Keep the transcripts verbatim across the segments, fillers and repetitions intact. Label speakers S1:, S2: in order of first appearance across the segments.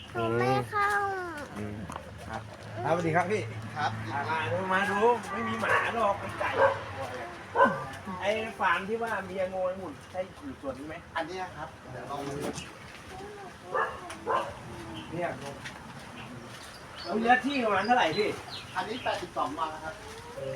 S1: หนูไม่เข้า
S2: อืมครับครับสวัสดีครับพี่
S3: ครับ
S2: อ่ามาดูมาดูไม่มีหมาหรอกมีไก่ไอ้ฟาร์มที่ว่ามีโงยหมุนใช่อยู่ส่วนนี้ไหม
S3: อันเนี้ยครับเดี๋ยวลองดู
S2: เนี่ยแล้วเนื้อที่ประมาณเท่าไหร่พี่
S3: อันนี้แปดสิบสองวันนะครับ
S2: โอ้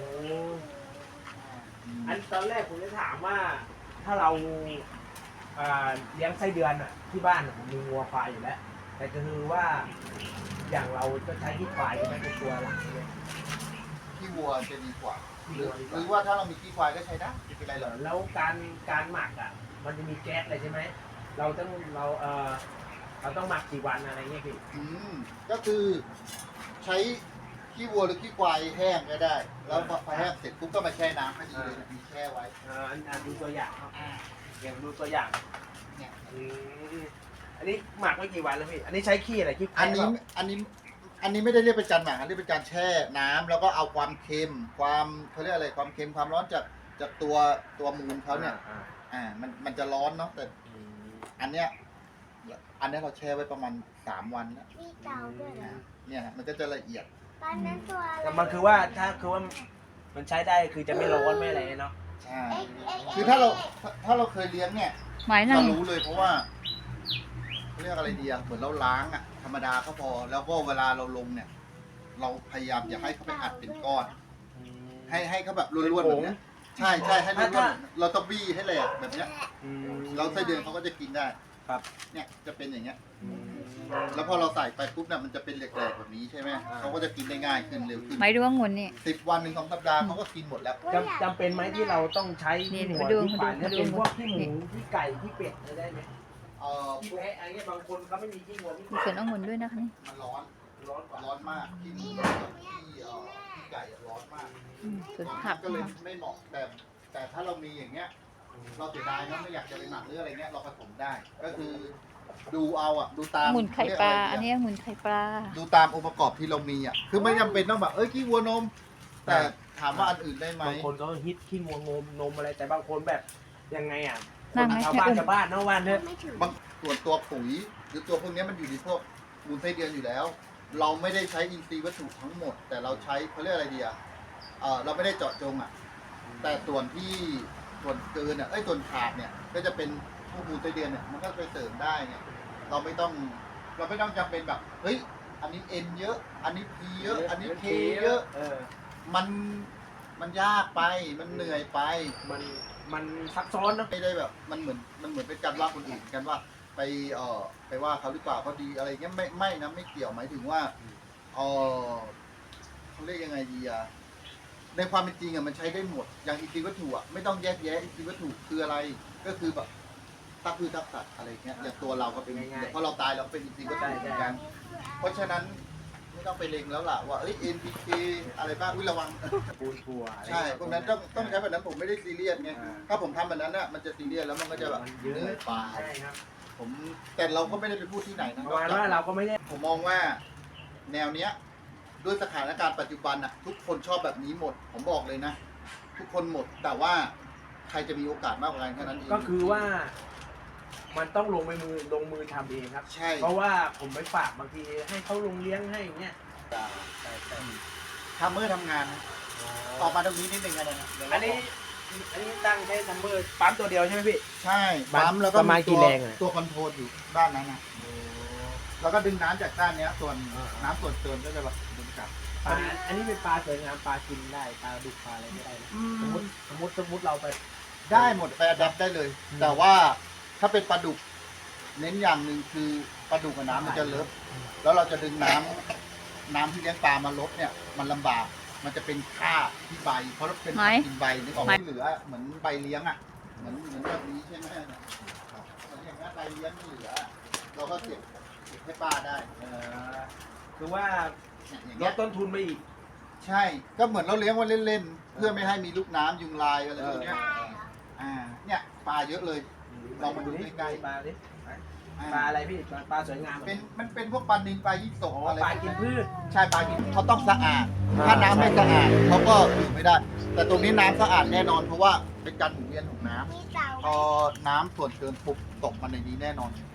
S2: อันตอนแรกผมจะถามว่า ถ้าเราอ่าเลี้ยงไส้เดือนอ่ะ ที่บ้านอะผมมีวัวควายอยู่แล้ว แต่ก็คือว่าอย่างเราจะใช้ที่ควายไม่เป็นตัวหลักเลย
S3: ขี้วัวจะดีกว่า
S2: ที่
S3: หรือ
S2: วัวดีก
S3: หรือ
S2: ว่า
S3: ว่าถ้าเรามีขี้ควายก็ใช้ได้ไม่เป็นไรหรอก
S2: แล้วการการหมักอ่ะ มันจะมีแก๊สอะไรใช่ไหม เราต้องเราเออเราต้องหมักกี่วันอะไรเงี้ยพี่
S3: อืมก็คือใช้ขี้วัวหรือขี้ควายแห้งก็ได้ แล้วพอแห้งเสร็จปุ๊บก็มาแช่น้ำให้ดีเลยนะมีแช่ไว้
S2: เอออันอันดูตัวอย่างครับเดี๋ยวดูตัวอย่าง
S3: เนี่ย
S2: อืมอันนี้หมักไว้กี่วันแล้วพี่ อันนี้ใช้ขี้อะไรขี้
S3: อันนี้
S2: แพะเปล่า
S3: อันนี้อันนี้ไม่ได้เรียกเป็นการหมักอันนี้เป็นการแช่น้ำแล้วก็เอาความเค็มความเขาเรียกอะไรความเค็มความร้อนจากจากตัวตัวมูลเขาเนี่ย
S2: อ่า
S3: อ่ามันมันจะร้อนเนาะแต่
S2: อืม
S3: อันเนี้ยอันเนี้ยเราแช่ไว้ประมาณสามวันแล้ว
S1: มีเต่าด้วยเหรอ
S3: เนี่ยฮะมันก็จะละเอียด
S1: ตอนนั้นตัวอะไร
S2: แต่มันคือว่าถ้าคือว่ามันใช้ได้คือจะไม่ร้อนไม่อะไรเนาะ
S3: ใช่
S1: เอ๊ะเอ๊ะ
S3: คือถ้าเราถ้าถ้าเราเคยเลี้ยงเนี่ย
S4: หมายหนึ่
S3: เรา
S4: ง
S3: รู้เลยเพราะว่าเขาเรียกอะไรดีอะเหมือนเราล้างอะธรรมดาก็พอ แล้วก็เวลาเราลงเนี่ย เราพยายามอย่าให้เขาไปอัดเป็นก้อน ให้ให้เขาแบบล้วนๆแบบเนี้ยใช่ใช่ให้ล้วนๆเราต้องบี้ให้แหลกแบบเนี้ย
S2: อืม
S3: เราไส้เดือนเขาก็จะกินได้
S2: ครับ
S3: เนี่ยจะเป็นอย่างเงี้ย
S2: อืม
S3: แล้วพอเราใส่ไปปุ๊บเนี่ยมันจะเป็นแหลกๆแบบนี้ใช่ไหม
S2: อ่า
S3: เขาก็จะกินได้ง่ายขึ้นเร็วขึ้น
S4: หมายดูว่างุ่นนี่
S3: สิบวันหนึ่งสองสัปดาห์เขาก็กินหมดแล้ว
S2: จำจำเป็นไหมที่เราต้องใช้
S4: นี่
S2: ที่หัว
S4: มาดู
S2: ที่ฝ่าย
S4: มา
S2: ถ้า
S4: ดู
S2: เป็นพวก
S4: มาดู
S2: ที่หมูที่ไก่ที่เป็ดเนี่ยได้ไหม
S3: เอ่อ
S2: ที่แพะอะไรเงี้ยบางคนเขาไม่มีที่หัวที่
S4: มีสวนองุ่นด้วยนะคะนี่
S3: มันร้อน
S2: ร้อนกว่า
S3: ร้อนมากที่หมูกับที่เอ่อที่ไก่อะร้อนมาก
S4: อืมสวนผัก
S3: ก็เลย
S4: นะคะ
S3: ไม่เหมาะแต่แต่ถ้าเรามีอย่างเงี้ย เราเสียดายนะไม่อยากจะไปหมักหรืออะไรเงี้ยเราผสมได้ ก็คือดูเอาอ่ะดูตาม
S4: องุ่นไข่ปลา
S3: เรียกะรดีะ
S4: อันนี้องุ่นไข่ปลา
S3: ดูตามองค์ประกอบที่เรามีอ่ะคือไม่จำเป็นต้องแบบเอ้ยขี้วัวนม แต่ถามว่าอันอื่นได้ไหม
S2: บางคนก็ฮิตขี้งัวงมนมอะไรแต่บางคนแบบยังไงอ่ะค
S4: นั่
S2: น
S4: งไหม
S2: ชาวบ้านชาวบ้านเนาะวันเถอะ
S1: ไม่ถึง
S3: บางส่วนตัวปุ๋ยหรือตัวพวกเนี้ยมันอยู่ในพวกมูลไส้เดือนอยู่แล้ว เราไม่ได้ใช้อินทรีย์วัตถุทั้งหมด แต่เราใช้เขาเรียกอะไรดีอ่ะเออเราไม่ได้เจาะจงอ่ะ แต่ส่วนที่ส่วนเกินอ่ะเอ้ยส่วนขาดเนี่ย ก็จะเป็นพวกมูลไส้เดือนเนี่ยมันก็ไปเสริมได้ไงเราไม่ต้อง เราไม่ต้องจำเป็นแบบเฮ้ยอันนี้เอ็นเยอะ อันนี้พีเยอะ อันนี้เคเยอะ
S2: เออ
S3: มันมันยากไปมันเหนื่อยไป
S2: มันมันซับซ้อนเนาะ
S3: ไม่ได้แบบมันเหมือนมันเหมือนเป็นการว่าคนอื่นกันว่า ไปเอ่อไปว่าเขาหรือเปล่าเขาดีอะไรเงี้ยไม่ไม่นะไม่เกี่ยวหมายถึงว่าเออเขาเรียกยังไงดีอะในความเป็นจริงอะมันใช้ได้หมดอย่างอินทรีย์วัตถุอะไม่ต้องแยกแยะอินทรีย์วัตถุคืออะไรก็คือแบบตักพืชตักสัตว์อะไรเงี้ยอย่างตัวเราก็เป็นเดี๋ยวพอเราตายเราเป็นอินทรีย์วัตถุเหมือนกันเพราะฉะนั้นไม่ต้องไปเล็งแล้วล่ะว่าเอ้ย เอ็น พี เค อะไรบ้างอุ้ยระวัง
S2: ปูนทัวอะไร
S3: ใช่พวกนั้นต้องต้องใช้แบบนั้นผมไม่ได้ซีเรียสไง
S2: อ่า
S3: ถ้าผมทำแบบนั้นน่ะมันจะซีเรียสแล้วมันก็จะแบบ
S2: มัน
S3: เห
S2: เยอะ
S3: นื่อยเปล่า
S2: ใช่ครับ
S3: ผมแต่เราก็ไม่ได้ไปพูดที่ไหนนะ
S2: ประมาณว่าเราก็ไม่ได้
S3: ผมมองว่าแนวเนี้ยด้วยสถานการณ์ปัจจุบันอ่ะทุกคนชอบแบบนี้หมด ผมบอกเลยนะ ทุกคนหมดแต่ว่าใครจะมีโอกาสมากกว่ากันแค่นั้นเอง
S2: ก็คือว่า มันต้องลงไปมือลงมือทำเองครับ
S3: ใช่
S2: เพราะว่าผมไปฝากบางทีให้เขาลงเลี้ยงให้อย่างเงี้ย
S3: ทำเมื่อทำงานนะออกมาตรงนี้นิดนึงอะไรนะ
S2: อันนี้อันนี้ตั้งใช้ซัมเมอร์ปั๊มตัวเดียวใช่ไหมพี่
S3: ใช่ปั๊มแล้วก็
S2: ประมาณกี่
S3: ตัว
S2: แรงอะ
S3: ตัวคอนโทรลอยู่ด้านนั้นนะแล้วก็ดึงน้ำจากด้านเนี้ย ส่วน
S2: อ่า
S3: น้ำส่วนเกินก็จะแบบดึงกลับ
S2: ปลาอันนี้เป็นปลาสวยงามปลากินได้ปลาดุกปลาอะไรไม่ได้นะสมมติสมมติสมมติเราไป
S3: ได้หมดไปอัดับได้เลย
S2: อืม
S3: แต่ว่าถ้าเป็นปลาดุก เน้นอย่างหนึ่งคือปลาดุกกับน้ำมันจะเลอะแล้วเราจะดึงน้ำน้ำที่เลี้ยงปลามาลดเนี่ย มันลำบาก มันจะเป็นคราบที่ใบ เพราะเราเป็น
S4: ไหม
S3: กินใบนึกออก
S4: ไหม
S3: ไม่เหลือเหมือนใบเลี้ยงอ่ะเหมือนเหมือนแบบนี้ใช่ไหมเนี่ยเหมือนอย่างนั้นใบเลี้ยงที่เหลือ เราก็เก็บเก็บให้ป้าได้
S2: เอ่อคือว่า
S3: เนี่ยอย่าง
S2: ล
S3: เงี้
S2: ด
S3: ย
S2: ต้นทุนไปอีก
S3: ใช่ ก็เหมือนเราเลี้ยงไว้เล่นๆเพื่อไม่ให้มีลูกน้ำยุงลายอะไรพวกเนี้ยอ่าเนี่ยปลาเยอะเลย ลองมาดูใกล้ๆ
S2: ปลาดิ
S3: อ่า
S2: ปลาอะไรพี่ปลาปลาสวยงาม
S3: เป็นมันเป็นพวกปลานิลปลายี่ส
S2: อ๋
S3: ก
S2: อ
S3: อะไร
S2: ปลากินพืช
S3: ใช่ปลากินเขาต้องสะอาด
S2: อ่า
S3: ถ้าน้ำไม่
S2: ใช่
S3: สะอาดเขาก็อยู่ไม่ได้ แต่ตรงนี้น้ำสะอาดแน่นอนเพราะว่าเป็นการหมุนเวียนของน้ำ
S1: มีเต่า
S3: พอน้ำส่วนเกินปุ๊บตกมาในนี้แน่นอน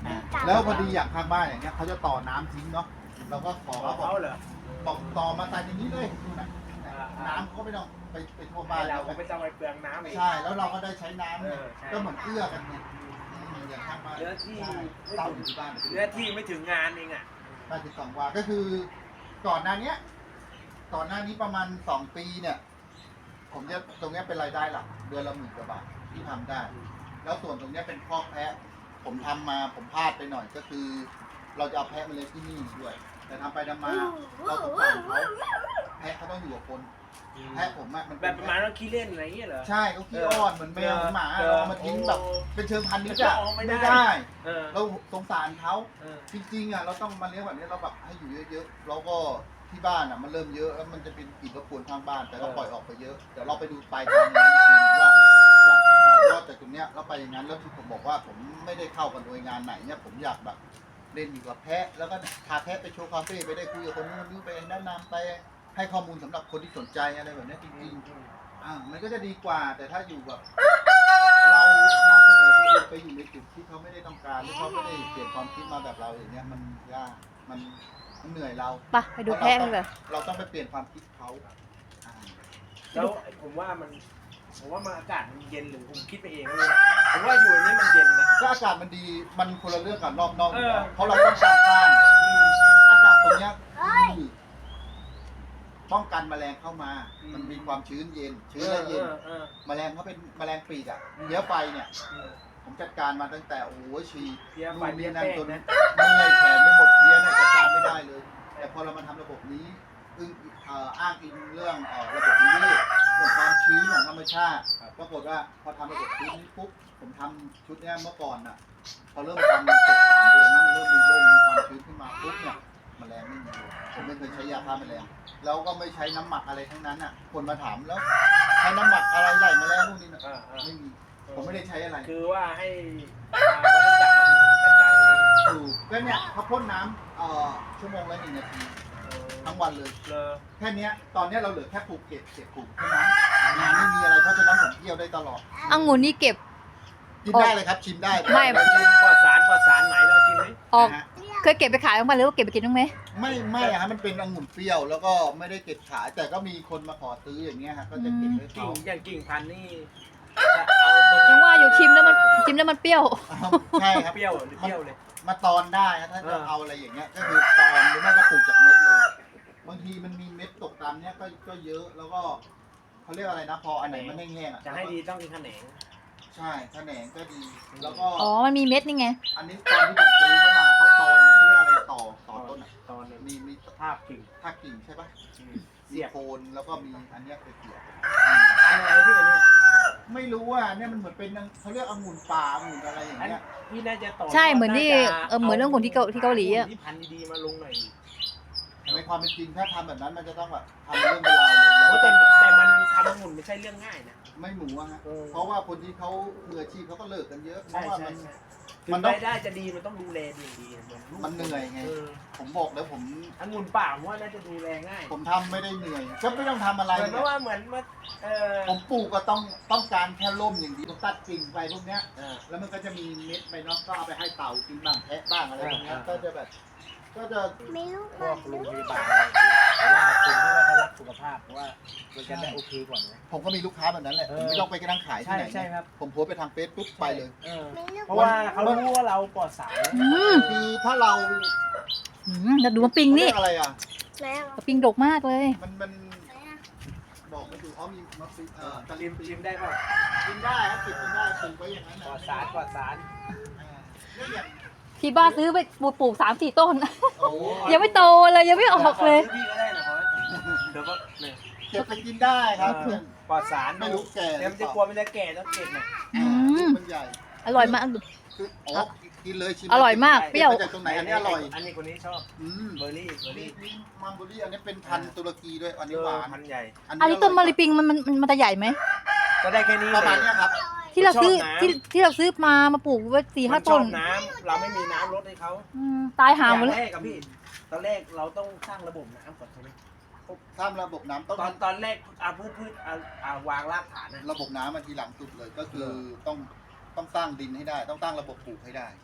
S3: แล้วพอดีอย่างข้างบ้านอย่างเงี้ยเขาจะต่อน้ำทิ้งเนาะเราก็ขอ
S2: ขอ
S3: เขาบอก
S2: เขาเหรอ
S3: บอกต่อมาใส่อย่างนี้เลยนู่นน่ะ
S2: อ่า
S3: น้ำเขาก็ไม่ต้องไปไปทั่วบ้า
S2: บ้าน
S3: น
S2: เราก็ไม่ต้องไปเปลืองน้ำอีก
S3: ใช่แล้วเราก็ได้ใช้น้ำเนี่ย
S2: เออใช่
S3: ก็เหมือนเอื้อกันไงอืมอย่างข้างบ้าน
S2: เนื้อที่
S3: ใช่เต่าอยู่ที่บ้าน
S2: เนื้อที่ไม่ถึงงานเองอ่ะ
S3: บ้านที่สองวาก็คือก่อนหน้าเนี้ยก่อนหน้านี้ประมาณสองปีเนี่ย ผมจะตรงเนี้ยเป็นรายได้หลักเดือนละหมื่นกว่าบาทที่ทำได้ แล้วส่วนตรงเนี้ยเป็นคอกแพะ ผมทำมาผมพลาดไปหน่อยก็คือ เราจะเอาแพะมาเลี้ยงที่นี่ด้วย แต่ทำไปทำมาเราสงสารเขาแพะเขาต้องอยู่กับคน แพะผมอะมัน
S2: แบ
S3: เป็น
S2: บประมาณว่าขี้เล่นอะไรอย่างเงี้ยเหรอ
S3: ใช่เขาขี้อ้อนเหมือนแมวเหมือนหมา
S2: เออ
S3: เราเอามาทิ้งแบบ
S2: โอ้
S3: เป็นเชิงพันธุ์นิด
S2: จะ
S3: อะ
S2: ออกไม่ได้
S3: ไม่ได้
S2: เออ
S3: เราสงสารเขา
S2: เออ
S3: จริงๆอะเราต้องมาเลี้ยงแบบนี้เราแบบให้อยู่เยอะๆแล้วก็ที่บ้านอะมันเริ่มเยอะแล้วมันจะเป็นกลิ่นรบกวนทางบ้าน แต่เราปล่อยออกไปเยอะเดี๋ยวเราไปดูปลายทางนี้ว่าจะต่อยอดจากตรงเนี้ยแล้วไปอย่างนั้นแล้วที่ผมบอกว่าผมไม่ได้เข้ากับหน่วยงานไหนเนี่ยผมอยากแบบเล่นอยู่กับแพะแล้วก็พาแพะไปโชว์คาเฟ่ไปได้คุยกับคนนู้นคนนี้ไปแนะนำไปให้ข้อมูลสำหรับคนที่สนใจอะไรแบบเนี้ยจริงๆ อ่ามันก็จะดีกว่าแต่ถ้าอยู่แบบเรานำเสนอคนอื่นไปอยู่ในจุดที่เขาไม่ได้ต้องการหรือเขาไม่ได้เปลี่ยนความคิดมาแบบเราอย่างเงี้ยมันยากมันมันเหนื่อยเรา
S4: ไปไปดูแพะกันเลย
S3: เราต้องไปเปลี่ยนความคิดเขาอ่า
S2: แล้วผมว่ามันผมว่ามันอากาศมันเย็นหรือผมคิดไปเองเลยผมว่าอยู่ในนี้มันเย็นนะ
S3: ถ้าอากาศมันดีมันคนละเรื่องกับรอบนอกอยู่แล้ว
S2: เออ
S3: เพราะเราต้องการสร้างอากาศตรงเนี้ยคือป้องกันแมลงเข้ามา มันมีความชื้นเย็นชื้นและเย็น
S2: ออออ
S3: แมลงเขาเป็นแมลงปีกอ่ะ
S2: อืม
S3: เนื้อไฟเนี่ย
S2: เออ
S3: ผมจัดการมาตั้งแต่โอ้โหฉีด
S2: เพี้ยไฟ
S3: นู่น
S2: เพี้
S3: นี่
S2: ย
S3: นั่น
S2: แป้ง
S3: จน
S2: นะ
S3: เมื่อยแขนไม่หมดเพี้ยเนี่ยจัดการไม่ได้เลย แต่พอเรามาทำระบบนี้อึ้งเอ่ออ้างอิงเรื่องเอ่อระบบนิเวศเรื่องความชื้นของธรรมชาติปรากฏว่าพอทำระบบชื้นนี้ปุ๊บผมทำชุดเนี้ยเมื่อก่อนน่ะพอเริ่มทำเสร็จสามเดือนนะมันเริ่มมีร่มมีความชื้นขึ้นมาปุ๊บเนี่ยแมลงไม่มีเลยผมไม่เคยใช้ยาฆ่าแมลงแล้วก็ไม่ใช้น้ำหมักอะไรทั้งนั้นอ่ะคนมาถามแล้วใช้น้ำหมักอะไรไล่แมลงนู่นนี่นะ
S2: อ่าอ่า
S3: ไม่มีผมไม่ได้ใช้อะไร
S2: คือว่าให้อ่าวัฏจักรมันจัดการเอง
S3: ถูกก็เนี่ยเขาพ่นน้ำเอ่อชั่วโมงละหนึ่งนาทีทั้งวันเลย
S2: เลอ
S3: แค่เนี้ยตอนเนี้ยเราเหลือแค่ปลูกเก็บเก็บปลูกเท่านั้นงานไม่มีอะไรเพราะฉะนั้นผมเที่ยวได้ตลอด
S4: องุ่นนี่เก็บ
S3: กินได้เลยครับชิมได้
S4: ไม่
S2: เราชิมปลอดสารปลอดสารไหมเราชิมไหม
S4: ออก
S3: นะฮะ
S4: เคยเก็บไปขายบ้างไหมหรือว่าเก็บไปกินบ้างไหม
S3: ไม่ไม่อะฮะมันเป็นองุ่นเปรี้ยวแล้วก็ไม่ได้เก็บขายแต่ก็มีคนมาขอซื้ออย่างเงี้ยฮะก็จะเก็บไว้
S2: กิ่
S3: เขา
S2: งอย่างกิ่งพันธุ์นี่จะเอาตรง
S4: ยังว่าอยู่ชิมแล้วมันชิมแล้วมันเปรี้ยว
S3: อ้าวใช่ครับ
S2: เปรี้ยวหรือเปรี้ยวเลย
S3: มาตอนได้ฮะถ้า
S2: เอ
S3: จะ
S2: อ
S3: เอาอะไรอย่างเงี้ยก็คือตอนหรือไม่ก็ปลูกจากเม็ดเลยบางทีมันมีเม็ดตกตามเนี้ยก็ก็เยอะแล้วก็เขาเรียกอะไรนะพออันไหนมันแห้งๆอ่ะ
S2: จะให้ดีต้องมีแขนง
S3: ใช่แขนงก็ดี แล้วก็
S4: อ๋อ มันมีเม็ดนี่ไง
S3: อันนี้ตอนที่ผมซื้อเข้ามาเขาตอนเขาเรียกอะไรต่อต่อต้นอ่ะ
S2: ตอนนี้
S3: มีมี
S2: ภาพกิ่ง
S3: ท่ากิ่งใช่ปะ
S2: อืม
S3: มี
S2: เสียบ
S3: โคนแล้วก็มีอันเนี้ยไปเสียบ
S2: อันอะไรที่อันเนี้ย
S3: ไม่รู้ว่าเนี่ยมันเหมือนเป็นเขาเรียกองุ่นป่าองุ่นอะไรอย่าง
S2: อัน
S3: เงี้ย
S2: พี่น่าจะต่อ
S4: ใช่เหมือนที่
S2: าจะ
S4: เออเหมือนเรื่องของที่เกาที่เกาหลีอะ
S2: ที่พันธุ์ดีๆมาลงหน่อย
S3: ในความเป็นจริงถ้าทำแบบนั้นมันจะต้องแบบทำเรื่องเวลาวเลย
S2: โอ้
S3: แล้ว
S2: แต่
S3: ก็
S2: แต่มันทำองุ่นไม่ใช่เรื่องง่ายนะ
S3: ไม่หมูอะฮะ
S2: เออ
S3: เพราะว่าคนที่เขามืออาชีพเขาก็เลิกกันเยอะเพ
S2: ใช่
S3: ราะว่า
S2: ใช่
S3: มัน
S2: ใช่
S3: มั
S2: มัน น
S3: ต้อง
S2: รายได้จะดีมันต้องดูแลดีดีเหมือนลูก
S3: มันเหนื่อยไง
S2: เออ
S3: ผมบอกแล้วผม
S2: องุ่นป่าผมว่าน่าจะดูแลง่าย
S3: ผมทำไม่ได้เหนื่อยก็ไม่ต้องทำอะไร
S2: เหมือน
S3: เนี่ย
S2: ว่าเหมือนว่าเออ
S3: ผมปลูกก็ต้องต้องการแค่ร่มอย่างเดียวผมตัดกิ่งไปพวกเนี้ย
S2: เออ
S3: แล้วมันก็จะมีเม็ดไปเนาะก็เอาไปให้เต่ากินบ้างแพะบ้างอะไรพวกเนี้ย
S2: อ่า
S3: ก็จะแบบ ก็จะ
S1: ไม่รู้
S2: พ
S1: ก่อ
S2: วน กโรงพ
S1: รู้
S2: ยาบาลอะไรแต่ว่าคนที่ว่าเขารักสุขภาพว่ามันจะได้โอเคกว่าไหม
S3: ผมก็มีลูกค้าแบบนั้นแหละ
S2: เอ
S3: ผ
S2: อ
S3: มไม่ต้องไปกระทั่งขายที่
S2: ใช่
S3: ไหน
S2: ใช่ครับ
S3: ผมโพสต์ไปทางเฟซปุ๊บไปเลย
S2: เออ
S1: ไม่รู้
S2: เพราะว่าเขารู้ว่าเราปลอดสาร
S4: อืม
S3: คือถ้าเรา
S4: อืมแล้วดูมะปิงนี่
S3: เรียกอะไรอ่ะ
S1: แล้ว
S4: มะปิงดกมากเลย
S3: มันมันบอกไม่ถูกอ๋อมีมะฟิเอ่อ
S2: จะริมริมได้ป่ะ
S3: กินได้ครับกินได้ปลูกไว้อย่างนั้น
S2: ปลอดสารปลอดสาร
S3: นี่อย่าง
S4: ที่บ้านซื้อไปปลูกปลูกสามสี่ต้น
S3: โอ้
S4: ยังไม่โตเลยยังไม่ออกเลย
S2: พี่ก็ได้นะเพราะเดี๋ยวก็เนี่ย
S3: เก็บไปกินได้ครับ
S2: เออปลอดสาร
S3: ไม่รู้แก่
S2: เดี๋ยวมันจะกลัวมันจะแก่ต้องเก็บหน่อย
S4: อืม
S3: มันใหญ่
S4: อร่อยมาก
S3: คืออ๋อกินเลยชิม
S4: อร่อยมาก เปรี้ยว
S3: มาจากตรงไหนอันนี้อร่อย
S2: อันนี้คนนี้ชอบ
S3: อืม
S2: เบอร์รี่เบอร์
S3: นี่
S2: รี่
S3: นี่มังโบรี่อันนี้เป็นพันธุ์ตุรกีด้วยอันนี้หวาน
S2: พันใหญ่
S4: อันนี้ต้นมะลิปิงมันมันมันมันจะใหญ่ไหม
S2: ก็ได้แค่นี้
S3: ประมาณเนี้ยครับ
S4: ที่เราซื้อ
S2: ชอบน้ำ
S4: ที่ที่เราซื้อมามาปลูกไว้สี่ห้า
S2: มันช
S4: ต้
S2: อน บน้ำเราไม่มีน้ำลดให้เขา
S4: อืมตายหาหมด
S2: อ
S4: เล
S2: ย่าง
S4: ย
S2: แรกกับพี่ตอนแรกเราต้องสร้างระบบน้ำก่อนใช่ไหม
S3: สร้างระบบน้ำต้อง
S2: ตอนตอนแรกอาพืชพืชอ่าอ่าวางรากฐานนะ
S3: ระบบน้ำมาทีหลังสุดเลยก็คือต้องต้องสร้างดินให้ได้ ต้องตั้งระบบปลูกให้ได้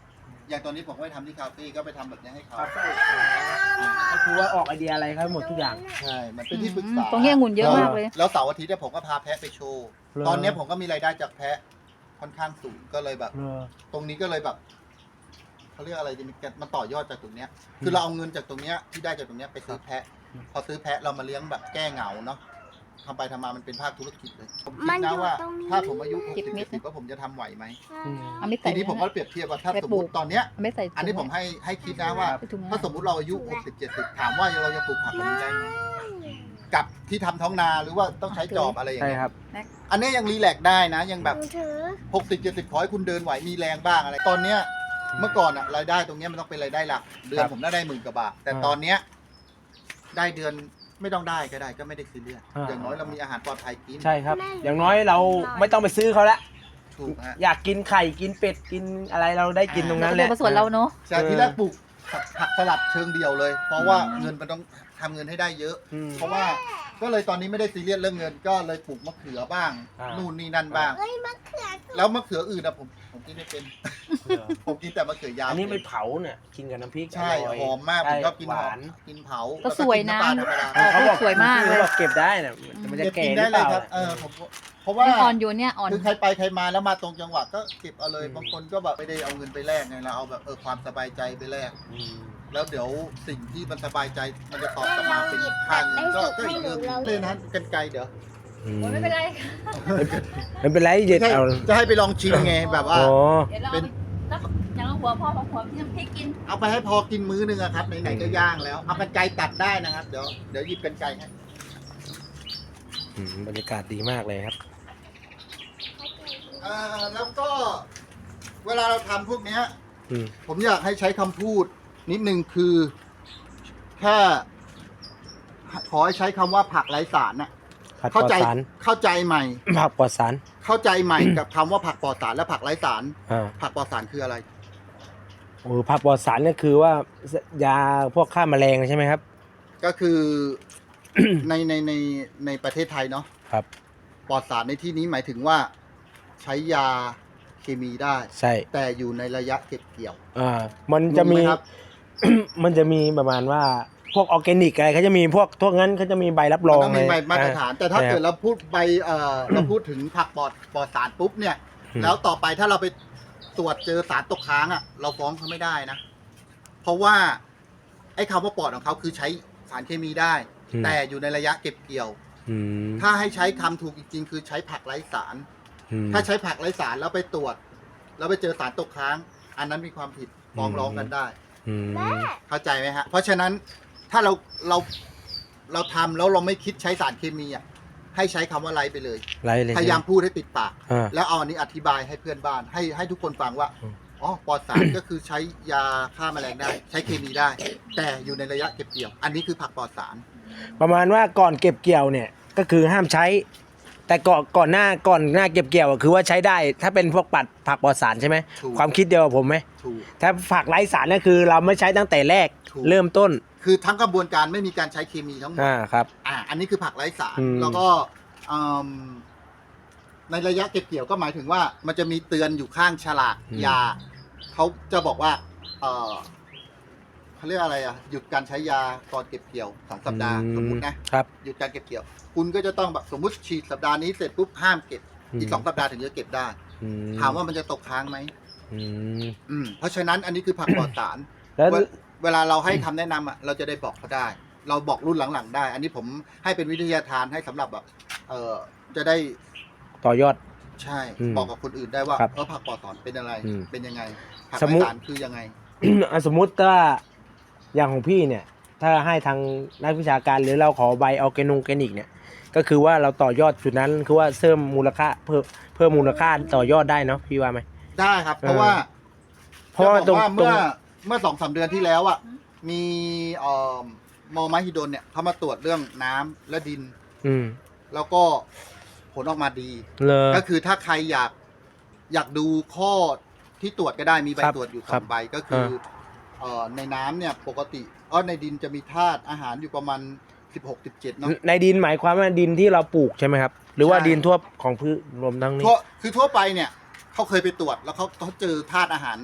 S3: อย่างตอนนี้ผมก็ไปทำที่คาเฟ่ก็ไปทำแบบนี้ให้เขา
S2: คาเฟ่ก็คือว่าออกไอเดียอะไรครับหมดทุกอย่าง
S3: ใช่ มันเป็นที่ปรึกษา
S4: ตรงนี้องุ่นเยอะมากเลย
S3: แล้วเสาร์อาทิตย์เนี่ยผมก็พาแพะไปโชว์
S2: เหรอ
S3: ตอนเนี้ยผมก็มีรายได้จากแพะค่อนข้างสูงก็เลยแบบ
S2: เออ
S3: ตรงนี้ก็เลยแบบเขาเรียกอะไรดีมันต่อยอดจากตรงเนี้ย คือเราเอาเงินจากตรงเนี้ยที่ได้จากตรงเนี้ยไปซื้อแพะ พอซื้อแพะเรามาเลี้ยงแบบแก้เหงาเนาะทำไปทำมามันเป็นภาคธุรกิจเลยผมคิดนะว่า ถ้าผมอายุหกสิบเจ็ดสิบว่าผมจะทำไหวไหม
S4: เอาไม่ใส่
S3: ทีนี้ผมก็เปรียบเทียบว่าถ้าสมมติตอนเนี้ย
S4: เอาไม่ใส่ถุง
S3: อันนี้ผมให้ให้คิดนะว่า
S4: ไปถุง
S3: ถ้าสมมุติเราอายุหกสิบเจ็ดสิบถามว่าเราจะปลูกผักแบบนี้ได้ไหมกับที่ทำท้องนาหรือว่าต้องใช้จอบอะไรอย่าง
S2: ใช่
S3: เงี้ย
S2: ครับ
S3: อันนี้ยังรีแลกซ์ได้นะ ยังแบบ
S1: หนูถือ
S3: หกสิบเจ็ดสิบขอให้คุณเดินไหวมีแรงบ้างอะไร ตอนเนี้ยเมื่อก่อนอะรายได้ตรงเนี้ยมันต้องเป็นรายได้หลัก เดือนผมได้ได้หมื่นกว่าบาท แต่
S2: อ่า
S3: ตอนเนี้ยได้เดือนไม่ต้องได้ก็ได้ก็ไม่ได้ซีเรียส
S2: อ่า
S3: อย่างน้อยเรามีอาหารปลอดภัยกิน
S2: ใช่ครับ อย่างน้อยเราไม่ต้องไปซื้อเขาละ
S3: ถูกฮะ
S2: อยากกินไข่กินเป็ดกินอะไรเราได้กินตรงนั้นแหละ
S4: เราก็เดินมาสวนเราเนาะ
S3: จากที่แรกปลูกผักผักสลัดเชิงเดียวเลย เพราะว่าเงินมันต้องทำเงินให้ได้เยอะ
S2: อืม
S3: เพราะว่าก็เลยตอนนี้ไม่ได้ซีเรียสเรื่องเงิน ก็เลยปลูกมะเขือบ้าง
S2: อ่านู่
S3: นู่นนี่นั่นบ้าง
S1: เอ้ยมะเขือ
S3: แล้วมะเขืออื่นนะผมผมกินไม่เป็น ผมกินแต่มะเขือยาว
S2: อันนี้ไม่เผาเนี่ยกินกับน้ำพริก
S3: ใช่
S2: ร่ย
S3: หอมมากผมชอบกิน
S2: ห
S3: หอ
S2: วาม น
S3: กินเผา
S4: ก็สวยนะ
S3: แล้ก็กิน้ำปลาธรรมดา
S4: เออ
S2: เขาบอก
S4: สวยมากเลย
S2: เขาบอกเก็บได้เนี่ยมันจะ
S3: เก็บ
S2: แก่
S3: กิน
S2: ห
S3: ได้
S2: รือ
S3: เล
S2: เป
S3: ย
S2: ล่า
S3: ครับเออผมเพราะว่า
S4: ยังอ่อนอยู่เนี่ยอ่อน
S3: คือใครไปใครมาแล้วมาตรงจังหวัดก็เก็บเอาเลย
S2: อืม
S3: บางคนก็แบบไม่ได้เอาเงินไปแลกไงเราเอาแบบเออความสบายใจไปแลก
S2: อืม
S3: แล้วเดี๋ยวสิ่งที่มันสบายใจมันจะตอบกลับมาเป็นค่าเงินก็ก็อีกเรื่องหนึ่งเลยนะกันไกลเดี๋ยว
S4: ไม่เป็นไร
S2: ไม่เป็นไรเย็ด
S3: จะให้
S2: เอา
S3: จะให้ไปลองชิมไงแบบว่า
S2: อ๋อ
S4: เดี๋ยวเราเอาไปอย่างละหัวพ่อของหัวพี่น้ำพริกกิน
S3: เอาไปให้พอกินมื้อนึงอะครับไหนๆก็ย่างแล้วเอากันไกรตัดได้นะครับเดี๋ยวเดี๋ยวหยิบกันไกรให้
S2: อืมบรรยากาศดีมากเลยครับ
S3: เอ่อแล้วก็เวลาเราทำพวกเนี้ย
S2: อืม
S3: ผมอยากให้ใช้คำพูดนิดนึงคือแค่ขอให้ใช้คำว่าผักไร้สารน่ะ
S2: ผักปล
S3: เข้า
S2: อด
S3: ใจ
S2: สาร
S3: เข้าใจใหม่
S2: ผักปลอดสาร
S3: เข้าใจใหม่กับคำว่าผักปลอดสารและผักไร้สาร
S2: อ่า
S3: ผักปลอดสารคืออะไร
S2: โอ้ผักปลอดสารเนี่ยคือว่ายาพวกฆ่าแมลงใช่ไหมครับ
S3: ก็คือ ในในในในประเทศไทยเนาะ
S2: ครับ
S3: ปลอดสารในที่นี้หมายถึงว่าใช้ยาเคมีได้
S2: ใช่
S3: แต่อยู่ในระยะเก็บเกี่ยว
S2: อ่ามันจะมี
S3: งงไหครับ
S2: มันจะมีประมาณว่าพวกออร์แกนิกอะไรเขาจะมีพวกพวกนั้นเขาจะมีใบรับร
S3: มัน
S2: อง
S3: ต้องมีใบ
S2: เลย
S3: มาตรฐาน แต่ถ้า
S2: ใช่ครับ
S3: เกิดเราพูดใบเอ่อเราพูดถึงผักปลอดปลอดสารปุ๊บเนี่ย
S2: อืม
S3: แล้วต่อไปถ้าเราไปตรวจเจอสารตกค้างอ่ะ เราฟ้องเขาไม่ได้นะ เพราะว่าไอ้คำว่าปลอดของเขาคือใช้สารเคมีได้ แต่อยู่ในระยะเก็บเกี่ยว
S2: อืม
S3: ถ้าให้ใช้คำถูกจริงๆ คือใช้ผักไร้สาร
S2: อืม
S3: ถ้าใช้ผักไร้สารแล้วไปตรวจ แล้วไปเจอสารตกค้าง อันนั้นมีความผิดฟ้องร้องกันได้
S2: อืม
S3: เข้าใจไหมฮะ เพราะฉะนั้นถ้าเราเราเราทำแล้วเราไม่คิดใช้สารเคมีอ่ะให้ใช้คำว่าไร้ไปเลย
S2: ไรเลย
S3: พยายามพูดให้ติดปาก
S2: อ่า
S3: แล้วเอาอันนี้อธิบายให้เพื่อนบ้าน ให้ให้ทุกคนฟังว่า
S2: อืม
S3: อ๋อปลอดสาร ก็คือใช้ยาฆ่าแมลงได้ ใช้เคมีได้ แต่อยู่ในระยะเก็บเกี่ยว อันนี้คือผักปลอดสาร
S2: ประมาณว่าก่อนเก็บเกี่ยวเนี่ยก็คือห้ามใช้ แต่ก่อนก่อนหน้าก่อนหน้าเก็บเกี่ยวอะคือว่าใช้ได้ ถ้าเป็นพวกปัดผักปลอดสารใช่ไหม
S3: ถูก
S2: ความคิดเดียวกับผมไหม
S3: ถูก
S2: ถ้าผักไร้สารเนี่ยคือเราไม่ใช้ตั้งแต่แรก
S3: ถูก
S2: เริ่มต้น
S3: คือทั้งกระบวนการไม่มีการใช้เคมีทั้งหมด
S2: อ่าครับ
S3: อ่า อันนี้คือผักไร้สาร
S2: อืม
S3: แล้วก็อืมในระยะเก็บเกี่ยวก็หมายถึงว่ามันจะมีเตือนอยู่ข้างฉลากยา เขาจะบอกว่า เออเขาเรียกอะไรอ่ะ หยุดการใช้ยาก่อนเก็บเกี่ยวสองสัปดาห์
S2: อืม
S3: สมมตินะ
S2: ครับ
S3: หยุดการเก็บเกี่ยว คุณก็จะต้องแบบสมมติฉีดสัปดาห์นี้เสร็จปุ๊บห้ามเก็บ
S2: อืม
S3: อีกสองสัปดาห์ถึงจะเก็บได้
S2: อื
S3: ถามว่ามันจะตกค้างไหม
S2: อืม
S3: อืม เพราะฉะนั้นอันนี้คือผักปลอดสาร
S2: แล้ว
S3: เวลเวลาเราให้คำแนะนำอ่ะ เราจะได้บอกเขาได้ เราบอกรุ่นหลังๆได้ อันนี้ผมให้เป็นวิทยาทานให้สำหรับแบบ เออจะได้
S2: ต่อยอด
S3: ใช่
S2: อืม
S3: บอกกับคนอื่นได้ว่า
S2: ครับ
S3: เออผักปลอดสารเป็นอะไร
S2: อืม
S3: เป็นยังไง ผัก
S2: สม
S3: ไร้
S2: มุติ
S3: สารคือยังไง
S2: อ่ะสมมุติถ้าอย่างของพี่เนี่ย ถ้าให้ทางนักวิชาการหรือเราขอใบออร์แกนงแกนิกเนี่ย ก็คือว่าเราต่อยอดจุดนั้นคือว่าเพิ่มมูลค่าเพิ่มเพิ่มมูลค่าต่อยอดได้เนาะพี่ว่าไหม
S3: ได้ครับ เพราะว่า
S2: เพราะว่า
S3: จะ
S2: ตร
S3: บ
S2: ง
S3: อกว่า
S2: ตร
S3: เมื่
S2: ง
S3: อเมื่อสองสามเดือนที่แล้วอ่ะ มีเอ่อมอมหิดลเนี่ยเขามาตรวจเรื่องน้ำและดิน
S2: อืม
S3: แล้วก็ผลออกมาดี
S2: เลย
S3: ก็คือถ้าใครอยากอยากดูข้อที่ตรวจก็ได้มีใบ
S2: ครับ
S3: ตรวจอยู่ส
S2: ครั
S3: อบ งใบก็คือเอ่อในน้ำเนี่ยปกติเออในดินจะมีธาตุอาหารอยู่ประมาณสิบหก สิบเจ็ดเนาะ
S2: ในดินหมายความว่าดินที่เราปลูกใช่ไหมครับ หรือว่า
S3: ใช่
S2: ดินทั่วของพืชรวมทั้งนี้
S3: ทั่วคือทั่วไปเนี่ยเขาเคยไปตรวจแล้วเขาเขาเจอธาตุอาหาร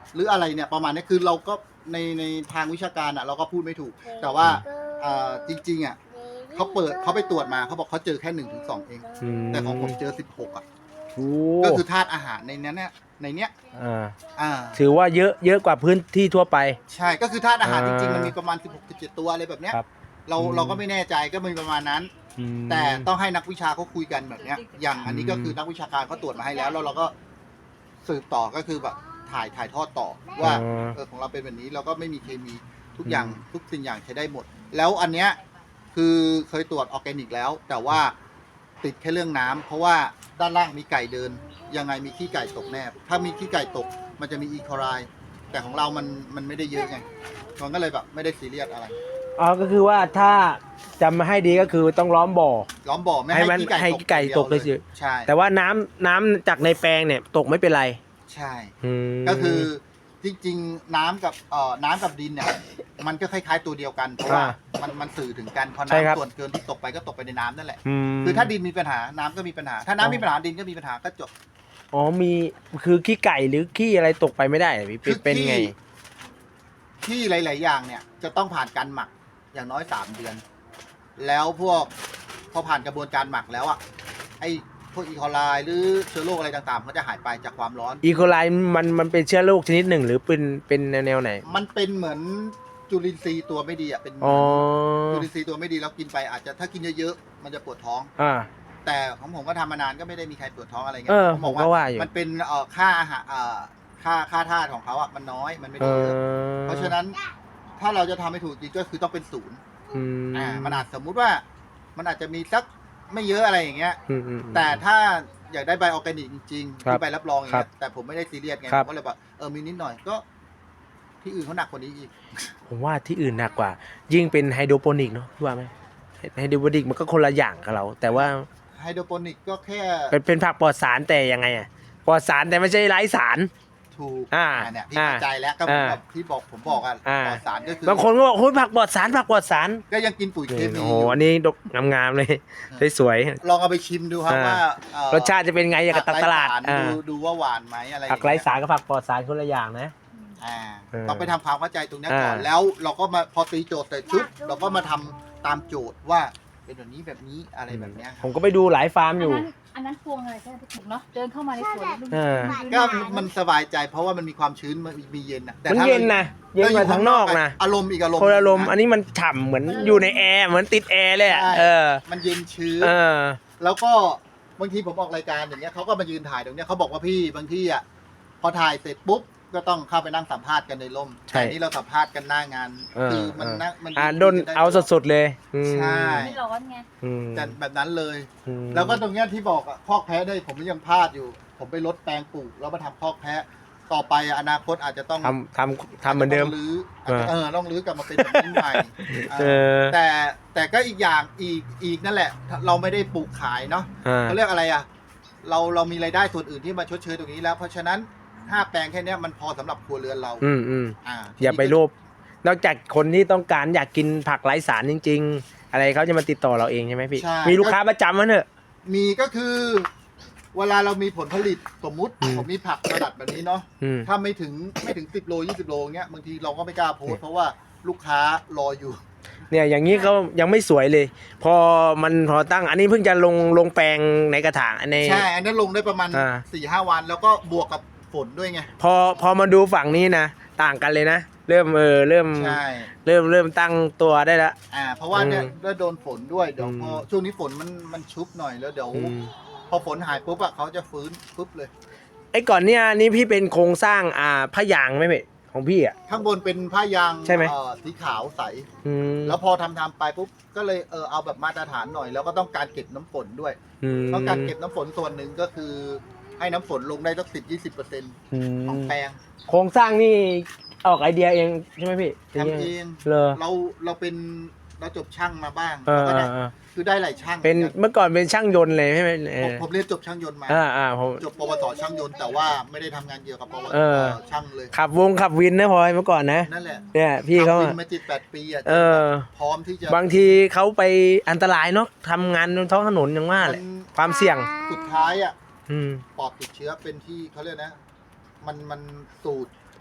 S3: หรืออะไรเนี่ยประมาณนี้คือเราก็ในในทางวิชาการอ่ะเราก็พูดไม่ถูก แต่ว่าอ่าจริงๆอ่ะเขาเปิดเขาไปตรวจมาเขาบอกเขาเจอแค่หนึ่งถึงสองเอง
S5: ม
S3: แต่ของผมเจอสิบหกอ่ะ
S5: โอ้
S3: ก็คือธาตุอาหารในเนี้ยเนี่ยในเนี้ย
S5: อ่า
S3: อ่า
S5: ถือว่าเยอะเยอะกว่าพื้นที่ทั่วไป
S3: ใช่ก็คือธาตุอาหารจ
S5: อ่า
S3: ริงๆมันมีประมาณสิบหก สิบเจ็ดตัวอะไรแบบเนี้ย
S5: ครับ
S3: เรา
S5: อืม
S3: เราก็ไม่แน่ใจก็มีประมาณนั้น
S5: อืม
S3: แต่ต้องให้นักวิชาเขาคุยกันแบบเนี้ย อย่างอันนี้ก็คือนักวิชาการเขาตรวจมาให้แล้วแล้วเราก็สืบต่อก็คือแบบถ่ายถ่ายทอดต่อว่า
S5: อ๋อ
S3: เออของเราเป็นแบบนี้เราก็ไม่มีเคมีทุกอย่างทุกสิ่งอย่างใช้ได้หมด แล้วอันเนี้ยคือเคยตรวจออร์แกนิกแล้ว แต่ว่าติดแค่เรื่องน้ำเพราะว่าด้านล่างมีไก่เดิน ยังไงมีขี้ไก่ตกแน่ถ้ามีขี้ไก่ตกมันจะมีอีโคไลแต่ของเรามันมันไม่ได้เยอะไงมันก็เลยแบบไม่ได้ซีเรียสอะไร
S5: อ๋อก็คือว่าถ้าจำมาให้ดีก็คือต้องล้อมบ่อ
S3: ล้อมบ่อไม่
S5: ให้
S3: ให้
S5: มัน
S3: ขี้ไก่
S5: ให้
S3: ตก
S5: ไก่ตกเลย
S3: ดีว
S5: สิ
S3: ใช่
S5: แต่ว่าน้ำน้ำจากในแปลงเนี่ยตกไม่เป็นไร
S3: ใช่
S5: อืม
S3: ก็คือจริงๆน้ำกับเอ่อน้ำกับดินเนี่ยมันก็คล้ายๆตัวเดียวกันเพราะว่ามันมันสื่อถึงกันพอ
S5: ใช่ครับ
S3: น้ำส่วนเกินที่ตกไปก็ตกไปในน้ำนั่นแหละ
S5: ม
S3: คือถ้าดินมีปัญหาน้ำก็มีปัญหา ถ้า
S5: อ๋
S3: น้ำ
S5: อ
S3: มีปัญหาดินก็มีปัญหาก็จบ
S5: อ๋อมีคือขี้ไก่หรือขี้อะไรตกไปไม่ได้เหรอพี่เป็นเป็นไง
S3: ที่หลาย ๆ อย่างเนี่ยจะต้องผ่านการหมักอย่างน้อยสามเดือน แล้วพวกพอผ่านกระบวนการหมักแล้วอ่ะไอ้พวกอีโคไลหรือเชื้อโรคอะไรต่างๆมันก็จะหายไปจากความร้อน
S5: อีโคไลมันมันเป็นเชื้อโรคชนิดหนึ่งหรือเป็นเป็นแนวไหน
S3: มันเป็นเหมือนจุลินทรีย์ตัวไม่ดีอ่ะเป็นเหมื
S5: อ๋อ
S3: อนจุลินทรีย์ตัวไม่ดีแล้วกินไปอาจจะถ้ากินเยอะๆมันจะปวดท้อง
S5: อ่า
S3: แต่ของผมก็ทำมานานก็ไม่ได้มีใครปวดท้องอะไรเงี้
S5: เออ
S3: ผม
S5: ผมก็ว่าอยู่
S3: มันเป็นเอ่อค่าอาหารเอ่อค่าค่าธาตุของเขาอ่ะมันน้อยมันไม่
S5: เอ
S3: ได้เยอะ
S5: อ
S3: เพราะฉะนั้นถ้าเราจะทำให้ถูกจริงก็คือต้องเป็นศูนย์
S5: อืม
S3: อ่ามันอาจสมมุติว่ามันอาจจะมีสักไม่เยอะอะไรอย่างเงี้ย
S5: อืมอืม
S3: แต่ถ้าอยากได้ใบออร์แกนิกจริงๆ
S5: ครับ
S3: ที่ใบรับรองอย่าง
S5: ครั
S3: เงี้
S5: บ
S3: ยแต่ผมไม่ได้ซีเรียสไง
S5: ครั
S3: ผ
S5: บ
S3: มก็เลยแบบเออมีนิดหน่อยก็ ที่อื่นเขาหนักกว่านี้อีก
S5: ผมว่าที่อื่นหนักกว่า ยิ่งเป็นไฮโดรโปนิกเนาะพี่ว่าไหมไฮโดรโปนิกมันก็คนละอย่างกับเรา แต่ว่า
S3: ไฮโดรโปนิกก็แค่
S5: เป็นเป็นผักปลอดสารแต่ยังไงอะปลอดสารแต่ไม่ใช่ไร้สาร
S3: ถูก
S5: อ่า
S3: เนี่ยพี่
S5: อ่า
S3: เข้าใจแล้วก็เหมือน
S5: อ่า
S3: กับที่บอกผมบอกอ่ะ
S5: อ่า
S3: ปลอดสารก็คือบ
S5: างคนก็บอกโอ้ยผักปลอดสารผักปลอดสาร
S3: ก็ยังกินปุ๋ยเคมี
S5: โอ้โห
S3: อยู่
S5: อันนี้ดกงามๆเลยสวย
S3: ลองเอาไปชิมดูครับ
S5: อ่า
S3: ว่าเอ่อ
S5: ๆรสชาติจะเป็นไงอย่างกับตลาด
S3: ผักไร้สร
S5: อ่า
S3: ดูดูว่าหวานไหมอะไรอย่ง
S5: ผัก
S3: เงี้ย
S5: ไร้สารกับผักปลอดสารคนละอย่างนะ
S3: อ่า
S5: เออ
S3: ต้องไปทำความเข้าใจตรงเนี้ยก่อน
S5: อ่า
S3: แล้วเราก็มาพอตีโจทย์เสร็จปุ๊บเราก็มาทำตามโจทย์ว่าเป็นแบบนี้แบบนี้อะไรแบบเนี้ยค
S5: ผ
S3: รับ
S5: มก็ไปดูหลายฟาร์ม
S4: อัน
S5: อยู่
S4: นั้นอันนั้นพวงอะไรใช่ไหมพี่ถูกเนาะเดินเข้ามาในสวนแล้ว
S5: เออ
S3: ก็มันสบายใจเพราะว่ามันมีความชื้นมันมีเย็นนะแต่
S5: มัน
S3: ถ้า
S5: เย็นนะเย็นกว่าทางนอกนะ
S3: อารมณ์อีกอารมณ์
S5: คนละลมณ์
S3: ะ
S5: อันนี้มันฉ่ำเหมือนอยู่ในแอร์เหมือนติดแอร์เลยอะ
S3: ใช่
S5: เออ
S3: มันเย็นชื้น
S5: เออ
S3: แล้วก็บางทีผมออกรายการอย่างเงี้ยเขาก็มายืนถ่ายตรงเนี้ยเขาบอกว่าพี่บางที่อ่ะพอถ่ายเสร็จปุ๊บก็ต้องเข้าไปนั่งสัมภาษณ์กันในร่ม
S5: ใช่
S3: แต่นี่เราสัมภาษณ์กันหน้างาน
S5: เออ
S3: คือมัน
S5: เออ
S3: นั่งมัน
S5: อ่าดนเอาสดๆเลยอืม
S3: ใช่
S4: ไม่ร้อนไง
S5: อืม
S3: แต่แบบนั้นเลย
S5: อืม
S3: แล้วก็ตรงเนี้ยที่บอกอะคอกแพะได้ผมยังพลาดอยู่ ผมไปลดแปลงปลูกแล้วมาทำคอกแพะต่อไปอะอนาคตอาจจะต้อง
S5: ทำทำทำเหมือนเดิม
S3: าจจะต้องรื้ออาจจะ
S5: เออ
S3: เออต้องรื้อกลับมาเป็นแบบนี้ใหม่
S5: เอ
S3: เออ
S5: อ
S3: แต่แต่ก็อีกอย่างอีกอีกนั่นแหละ เราไม่ได้ปลูกขายเนาะ
S5: อ่า
S3: เขาเรียกอะไรอะเราเรามีรายได้ส่วนอื่นที่มาชดเชยตรงนี้แล้ว เพราะฉะนั้นห้าแปลงแค่เนี้ยมันพอสำหรับครัวเรือนเรา
S5: อืมอืม
S3: อ่า
S5: อย่าไปโลภนอกจากคนที่ต้องการอยากกินผักไร้สารจริง ๆ อะไรเขาจะมาติดต่อเราเองใช่ไหมพี่
S3: ใช่
S5: มีลูกค้าประจำมั้ยเนอะ
S3: มีก็คือ เวลาเรามีผลผลิตสมมุติ
S5: อืม
S3: ผมมีผักระดับแบบนี้เนาะ
S5: อืม
S3: ถ้าไม่ถึงไม่ถึงสิบโลยี่สิบโลเงี้ยบางทีเราก็ไม่กล้าโพสต์เพราะว่าลูกค้ารออยู่
S5: เนี่ยอย่างนี้เขายังไม่สวยเลย พอมันพอตั้งอันนี้เพิ่งจะลงลงแปลงในกระถางใน
S3: ใช่ อันนั้นลงได้ประมาณ
S5: อ่า
S3: สี่ห้าวัน แล้วก็บวกกับฝนด้วยไง
S5: พอพอมาดูฝั่งนี้นะต่างกันเลยนะ เริ่มเออเริ่ม
S3: ใช่
S5: เริ่มเริ่มตั้งตัวได้ละ
S3: อ่า เพราะว่าเนี่ย
S5: อืม
S3: ได้โดนฝนด้วย เดี๋ยว
S5: อืม
S3: พอช่วงนี้ฝนมันมันชุบหน่อยแล้วเดี๋ยว
S5: อืม
S3: พอฝนหายปุ๊บอะเขาจะฟื้นปุ๊บเลย
S5: ไอ้ก่อนเนี่ยนี่พี่เป็นโครงสร้างอ่าผ้ายางไหมเพ่ของพี่อ่ะ
S3: ข้างบนเป็นผ้ายาง
S5: ใช่ไหม
S3: เอ่อสีขาวใส
S5: อืม
S3: แล้วพอทำทำไปปุ๊บ ก็เลยเออเอาแบบมาตรฐานหน่อย แล้วก็ต้องการเก็บน้ำฝนด้วย
S5: อืม
S3: ต้องการเก็บน้ำฝนส่วนหนึ่งก็คือ ให้น้ำฝนลงได้สักสิบยี่สิบเปอร์เซ็นต์
S5: อืม
S3: ของแปลง
S5: โครงสร้างนี่ออกไอเดียเองใช่ไหมพี่
S3: ทำเอง
S5: เลอ
S3: เราเราเป็นเราจบช่างมาบ้าง
S5: เออ
S3: เราก็ได้
S5: เออ
S3: คือได้หลายช่าง
S5: เป็น
S3: หมือกั
S5: เมื่อก่อนเป็นช่างยนต์เลยใช่ไหมเอ
S3: ผม
S5: อ
S3: ผมเรียนจบช่างยนต์มา
S5: อ่าอ่าผม
S3: จบปวสช่างยนต์แต่ว่าไม่ได้ทำงานเกี่ยวกับปวส
S5: เออ
S3: ช่างเลย
S5: ขับวงขับวินนะพลอยเมื่อก่อนนะ
S3: นั่นแหละ
S5: เนี่ยพี่เขา
S3: ทำวิ
S5: อะ
S3: นมาจิตแปดปีอ่ะ
S5: เออ
S3: พร้อมที่จะ
S5: บางทีเขาไปอันตรายเนาะทำงานบนท้องถนนอย่างว่าแหละ
S3: มัน
S5: ความเสี่ยง
S3: สุดท้ายอ่ะ
S5: อืม
S3: ปอดติดเชื้อเป็นที่เขาเรียกนะ มันมันสูด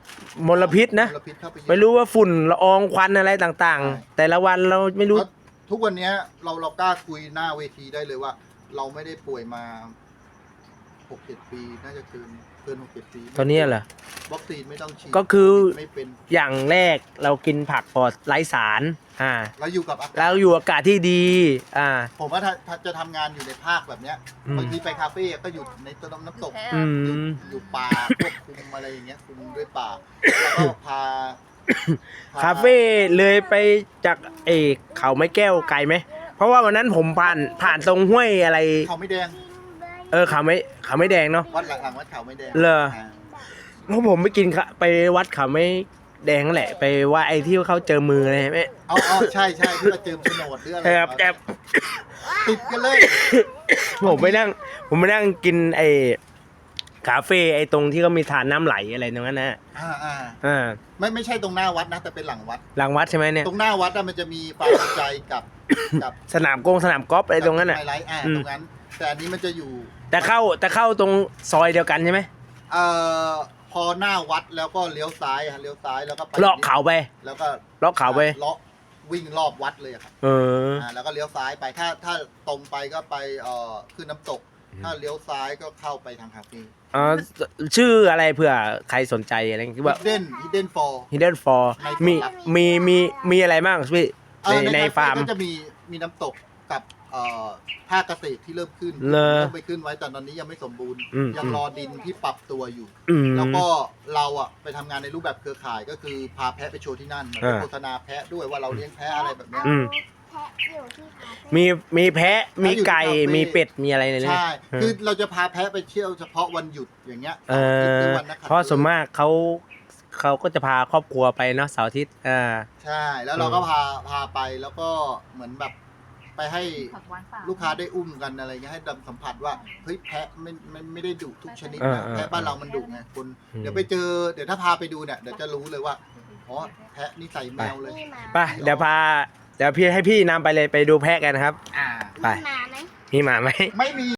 S5: มลพิษนะ
S3: มลพิษเข้าไปเยอะ
S5: ไม่รู้ว่าฝุ่นละอองควันอะไรต่าง
S3: ใช่
S5: ๆ แต่ละวันเราไม่รู้
S3: เพราะทุกวันเนี้ยเราเรากล้าคุยหน้าเวทีได้เลยว่า เราไม่ได้ป่วยมาหกเจ็ดปีน่าจะเกินเกินหกเจ็ดปี
S5: ตอนนี้เหรอ
S3: วัคซีนไม่ต้องฉีด
S5: ก็คือ
S3: ไม่เป็น
S5: อย่างแรกเรากินผักปลอดไร้สารอ่า
S3: เราอยู่กับอากาศ
S5: แล้วอยู่อากาศที่ดีอ่า
S3: ผมว่าถ้าถ้าจะทำงานอยู่ในภาคแบบเนี้ย
S5: อืม
S3: บางทีไปคาเฟ่ก็อยู่ในต้นน้ำตก
S4: แพ้
S5: อื
S3: อยู่
S5: ม
S3: อยู่ป่าควบคุมอะไรอย่างเงี้ยคุมด้วยป่าแล้วก็พาพ
S5: คาเฟ่เลยไปจากเอเขาไม้แก้วไกลไหม เพราะว่าวันนั้นผมผ่านผ่านตรงห้วยอะไร
S3: เขาไม่แดง
S5: เออเขาไม่เขาไม่แดงเนาะ
S3: วัดหลังๆวัดเขาไม่แดง
S5: เหรอ
S3: า
S5: เพราะผมไปกินข้าไปวัดเขาไม่แดงนั่นแหละ ไปว่าไอ้ที่เขาเจอมืออะไรไหม
S3: เอาเอาใช่ใช่ที่เราเจอโฉนดหรืออะไร
S5: ครับแต่
S3: ติดกันเลย
S5: ผมไปนั่ง ผมไปนั่งกินไอ้คาเฟ่ไอ้ตรงที่เขามีทานน้ำไหลอะไรตรงนั้นนะ
S3: อ่าอ่า
S5: อ่า
S3: ไม่ไม่ใช่ตรงหน้าวัดนะแต่เป็นหลังวัด
S5: หลังวัดใช่ไหมเนี่ย
S3: ตรงหน้าวัดอะมันจะมีฟาร์มใจกับกับ
S5: สนามกงสนามกอล์ฟอะไรตรงนั้นอ่ะ
S3: ไฮไลท์อ่า
S5: อืม
S3: ตรงนั้น แต่อันนี้มันจะอยู่
S5: แต่เข้าแต่เข้าตรงซอยเดียวกันใช่ไหม
S3: เอ่อพอหน้าวัดแล้วก็เลี้ยวซ้ายอะเลี้ยวซ้ายแล้วก็ไป
S5: เลาะเขาไป
S3: แล้วก็
S5: เลาะเขาไป
S3: เลาะวิ่งรอบวัดเลยอะครับ
S5: เออ
S3: อ่าแล้วก็เลี้ยวซ้ายไปถ้าถ้าตรงไปก็ไปเอ่อขึ้นน้ำตก ถ้าเลี้ยวซ้ายก็เข้าไปทางคาเฟ่
S5: อ๋อชื่ออะไรเผื่อใครสนใจอะไรที่ว่า
S3: Hidden Hidden for
S5: Hidden for
S3: ใน
S5: มี
S3: ความลับ
S5: มีมีมีอะไรบ้างพี่
S3: เอ่
S5: ใน
S3: อ
S5: ใน
S3: ค
S5: ฟาร์ม
S3: ก็จะมีมีน้ำตกกับเอ่อภาคเกษตรที่เริ่มขึ้น
S5: เหรอ
S3: เริ่มไปขึ้นไว้แต่ตอนนี้ยังไม่สมบูรณ์
S5: อืม
S3: ยังรอดินที่ปรับตัวอยู่
S5: อืม
S3: แล้วก็เราอะไปทำงานในรูปแบบเครือข่ายก็คือพาแพะไปโชว์ที่นั่นเหมือนไป
S5: อ่า
S3: โฆษณาแพะด้วยว่าเราเลี้ยงแพะอะไรแบบเนี้ย
S5: อืม
S1: แพะอยู่ที่คาเฟ่
S5: มีมีแพะมีไก่
S3: อยู่ที่คาเฟ่
S5: มีเป็ดมีอะไรในนี้
S3: ใช่
S5: เออ
S3: คือเราจะพาแพะไปเที่ยวเฉพาะวันหยุดอย่างเงี้ย
S5: เอ
S3: เสาร์อาทิตย์ห
S5: อ
S3: รือวันนักขัต
S5: เพราะส่วน
S3: ฤกษ์
S5: มากเขาเขาก็จะพาครอบครัวไปเนาะเสาร์อาทิตย์อ่า
S3: ใช่ แล้วเราก็พาพาไปแล้วก็เหมือนแบบไปให้
S4: ผักหวานป่า
S3: ลูกค้าได้อุ้มกันอะไรเงี้ยให้ดำสัมผัสว่าเฮ้ยแพะไม่ไม่ไม่ได้ดุทุกชนิดนะ
S5: เออเออ
S3: แพะบ้านเรามันดุไงคน
S5: อืม
S3: เดี๋ยวไปเจอเดี๋ยวถ้าพาไปดูเนี่ยเดี๋ยวจะรู้เลยว่าอ๋อแพะนี่ใส่แมวเลย
S1: มีหมา
S5: ไปเดี๋ยวพาเดี๋ยวพี่ให้พี่นำไปเลยไปดูแพะกันนะครับ
S3: อ่า
S5: ไป
S1: มีหมาไหม
S5: มีหมาไหม
S3: ไม่มี